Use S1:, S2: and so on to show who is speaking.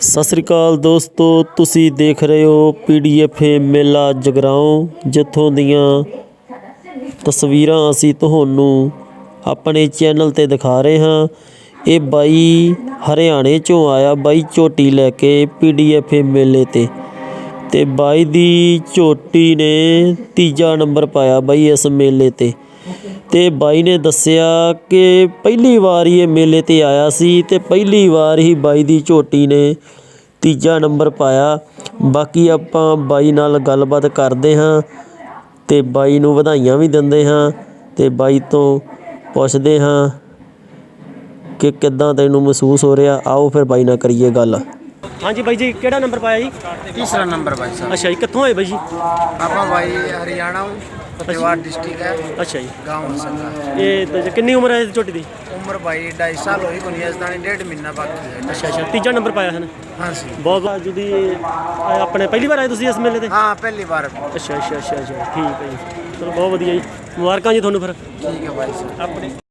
S1: ਸਤਿ ਸ੍ਰੀ ਅਕਾਲ ਦੋਸਤੋ, ਤੁਸੀਂ ਦੇਖ ਰਹੇ ਹੋ PDF ਮੇਲਾ ਜਗਰਾਓਂ, ਜਿੱਥੋਂ ਦੀਆਂ ਤਸਵੀਰਾਂ ਅਸੀਂ ਤੁਹਾਨੂੰ ਆਪਣੇ ਚੈਨਲ 'ਤੇ ਦਿਖਾ ਰਹੇ ਹਾਂ। ਇਹ ਬਾਈ ਹਰਿਆਣੇ 'ਚੋਂ ਆਇਆ, ਬਾਈ ਝੋਟੀ ਲੈ ਕੇ PDF ਮੇਲੇ 'ਤੇ ਬਾਈ ਦੀ ਝੋਟੀ ਨੇ ਤੀਜਾ ਨੰਬਰ ਪਾਇਆ ਬਾਈ ਇਸ ਮੇਲੇ 'ਤੇ ਬਾਈ ਨੇ ਦੱਸਿਆ ਕਿ ਪਹਿਲੀ ਵਾਰ ਹੀ ਇਹ ਮੇਲੇ 'ਤੇ ਆਇਆ ਸੀ ਅਤੇ ਪਹਿਲੀ ਵਾਰ ਹੀ ਬਾਈ ਦੀ ਝੋਟੀ ਨੇ ਤੀਜਾ ਨੰਬਰ ਪਾਇਆ। ਬਾਕੀ ਆਪਾਂ ਬਾਈ ਨਾਲ ਗੱਲਬਾਤ ਕਰਦੇ ਹਾਂ ਅਤੇ ਬਾਈ ਨੂੰ ਵਧਾਈਆਂ ਵੀ ਦਿੰਦੇ ਹਾਂ ਅਤੇ ਬਾਈ ਤੋਂ ਪੁੱਛਦੇ ਹਾਂ ਕਿ ਕਿੱਦਾਂ ਤੈਨੂੰ ਮਹਿਸੂਸ ਹੋ ਰਿਹਾ। ਆਓ ਫਿਰ ਬਾਈ ਨਾਲ ਕਰੀਏ ਗੱਲ। ਹਾਂਜੀ ਬਾਈ ਜੀ, ਕਿਹੜਾ ਨੰਬਰ ਪਾਇਆ ਜੀ?
S2: तीसरा नंबर भाई साहब।
S1: ਅੱਛਾ ਜੀ, ਕਿੱਥੋਂ ਆਏ ਬਾਈ ਜੀ?
S2: पापा भाई हरियाणा फतेहबाद डिस्ट्रिक्ट है,
S1: ਅੱਛਾ ਜੀ,
S2: गाँव संगा।
S1: ਇਹ ਕਿੰਨੀ ਉਮਰ ਹੈ ਇਸ ਝੋਟੀ ਦੀ?
S2: उम्र भाई 2.5 साल हुई कोनी, इसदानी 1.5 महीना बाकी है।
S1: ਅੱਛਾ, ਤੀਜਾ ਨੰबर ਪਾਇਆ ਹੈ ਨਾ।
S2: हाँ जी,
S1: ਬਹੁਤ ਬਹੁਤ ਜੁਦੀ ਆਪਣੇ ਪਹਿਲੀ ਵਾਰ ਆਏ ਤੁਸੀਂ ਇਸ ਮੇਲੇ 'ਤੇ?
S2: हाँ पहली बार।
S1: ਅੱਛਾ, ਠੀਕ ਹੈ ਜੀ, ਚਲੋ ਬਹੁਤ ਵਧੀਆ ਜੀ, ਮੁਬਾਰਕਾਂ ਜੀ ਤੁਹਾਨੂੰ ਫਿਰ।
S2: ठीक है भाई साहब।
S1: ਆਪਣੇ